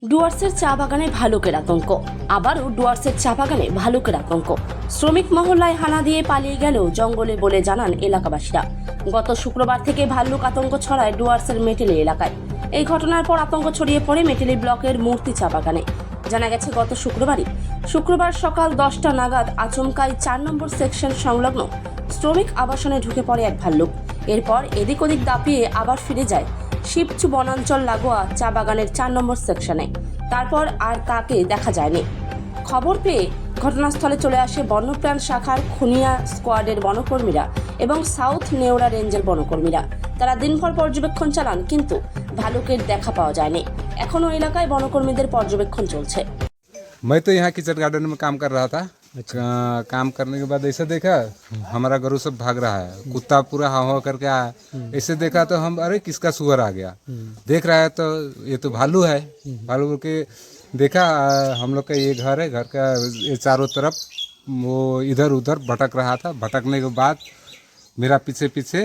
ডুয়ার্সের চা বাগানে ভালুকের আতঙ্ক। আবারও ডুয়ার্সের চা বাগানে ভালুকের আতঙ্ক। শ্রমিক মহল্লায় হানা দিয়ে পালিয়ে গেলেও জঙ্গলে বলে জানান এলাকাবাসীরা। গত শুক্রবার থেকে ভাল্লুক আতঙ্ক ছড়ায় ডুয়ার্সের মেটেলি এলাকায়। এই ঘটনার পর আতঙ্ক ছড়িয়ে পড়ে মেটেলি ব্লকের মূর্তি চা বাগানে। জানা গেছে গত শুক্রবার সকাল 10টা নাগাদ আচমকাই 4 নম্বর সেকশন সংলগ্ন শ্রমিক আবাসনে ঢুকে পড়ে এক ভাল্লুক। এরপর এদিক ওদিক দাপিয়ে আবার ফিরে যায় শিবচু বনাঞ্চল লাগোয়া চা বাগানের 4 নম্বর সেকশনে। তারপর আর তাকে দেখা যায়নি। খবর পেয়ে ঘটনাস্থলে চলে আসে বন্যপ্রাণ শাখার খুনিয়া স্কোয়াডের বনকর্মীরা এবং সাউথ নেওড়া রেঞ্জের বনকর্মীরা। তারা দিনভর পর্যবেক্ষণ চালান, কিন্তু ভালুকের দেখা পাওয়া যায়নি। এখনও এলাকায় বনকর্মীদের পর্যবেক্ষণ চলছে। मैं तो यहाँ किचन गार्डन में काम कर रहा था। काम करने के बाद ऐसे देखा हमारा गरु सब भाग रहा है, कुत्ता पूरा हाव हाव करके आया। ऐसे देखा तो हम अरे किसका सुअर आ गया, देख रहा है तो ये तो भालू है। भालू के देखा हम लोग का ये घर है, घर का ये चारों तरफ वो इधर उधर भटक रहा था। भटकने के बाद मेरा पीछे पीछे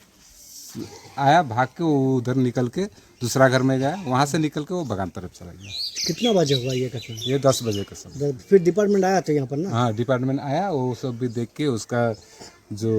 आया, भाग के वो उधर निकल के दूसरा घर में गया, वहाँ से निकल के वो बगान तरफ चला गया। कितना बजे हुआ ये घटना? ये 10 बजे का समय। फिर डिपार्टमेंट आया था यहाँ पर ना? हाँ, डिपार्टमेंट आया, वो सब भी देख के उसका जो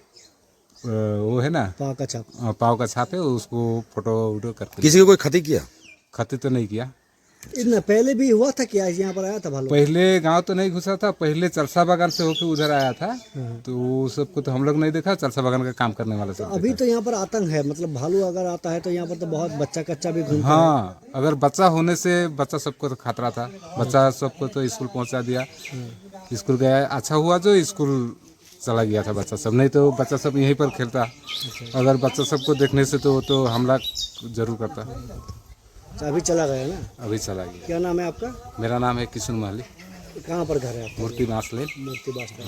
वो है ना पाँव का छाप। पाँव का छाप है, उसको फोटो वोटो करके। किसी को कोई क्षति किया? क्षति तो नहीं किया। इतना पहले भी हुआ था क्या यहाँ पर आया था भालू? पहले गांव तो नहीं घुसा था, पहले चरसा बागान से होकर उधर आया था। तो वो सबको तो हम लोग नहीं देखा, चरसा बागान का काम करने वाला सब अभी तो यहाँ पर आतंक है, मतलब भालू अगर आता है तो यहाँ पर तो बहुत बच्चा कच्चा भी घूमता है। हाँ, अगर बच्चा होने से बच्चा सबको तो खतरा था। बच्चा सबको तो स्कूल पहुंचा दिया, स्कूल गया। अच्छा हुआ जो स्कूल चला गया था बच्चा सब, नहीं तो बच्चा सब यहीं पर खेलता। अगर बच्चा सबको देखने से तो वो तो हमला जरूर करता। अच्छा, अभी चला गया ना? अभी चला गया। क्या नाम है आपका? मेरा नाम है किशन महली, कहाँ पर घर है आपका? मूर्ति बांस लेन। मूर्ति बास्ता।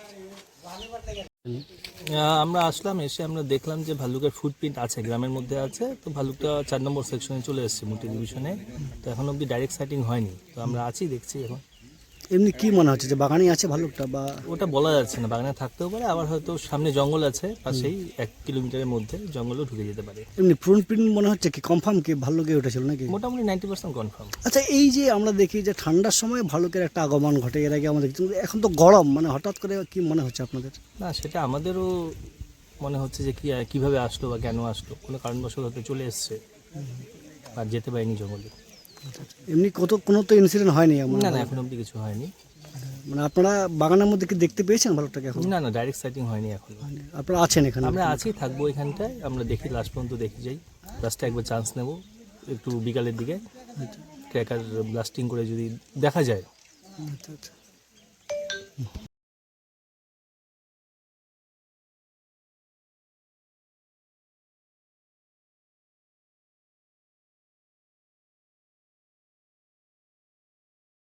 আমরা আসলাম, এসে আমরা দেখলাম যে ভাল্লুকের ফুটপ্রিন্ট আছে, গ্রামের মধ্যে আছে। তো ভাল্লুকটা 4 নম্বর সেকশনে চলে এসেছে মুটি ডিভিশনে। তো এখন অবধি ডাইরেক্ট সাইটিং হয়নি, তো আমরা আছি, দেখছি। এখন এমনি কি মনে হচ্ছে যে বাগানে আছে ভালুকটা, বা ওটা বলা যাচ্ছে না, বাগানে থাকতেও পারে, আবার হয়তো সামনে জঙ্গল আছে, পাশেই 1 কিলোমিটারের মধ্যে জঙ্গলও ঢুকে যেতে পারে। এমনি প্রিন্ট মনে হচ্ছে কি কনফার্ম কি ভালুকে উঠেছিল নাকি? মোটামুটি 90% কনফার্ম। আচ্ছা, এই যে আমরা দেখি যে ঠান্ডার সময় ভালুকের একটা আগমন ঘটে, এর আগে আমরা দেখছি, কিন্তু এখন তো গরম, মানে হঠাৎ করে কি মনে হচ্ছে আপনাদের? না, সেটা আমাদেরও মনে হচ্ছে যে কীভাবে আসলো বা কেন আসলো, কোনো কারণবশত হয়তো চলে এসছে আর যেতে পারেনি জঙ্গলে। এমনি কোনো তো ইনসিডেন্ট হয়নি এমন? না না, এখন অবধি কিছু হয়নি। মানে আপনারা বাগানের মধ্যে কি দেখতে পেয়েছেন ভালুকটাকে এখন? না না, ডাইরেক্ট সাইটিং হয়নি এখন। আপনারা আছেন এখানে? আমরা আছি, থাকবো এখানটায়, আমরা দেখি লাস্ট পর্যন্ত দেখে যাই। লাস্টে একবার চান্স নেব, একটু বিকালের দিকে ক্র্যাকার ব্লাস্টিং করে যদি দেখা যায়। আচ্ছা আচ্ছা।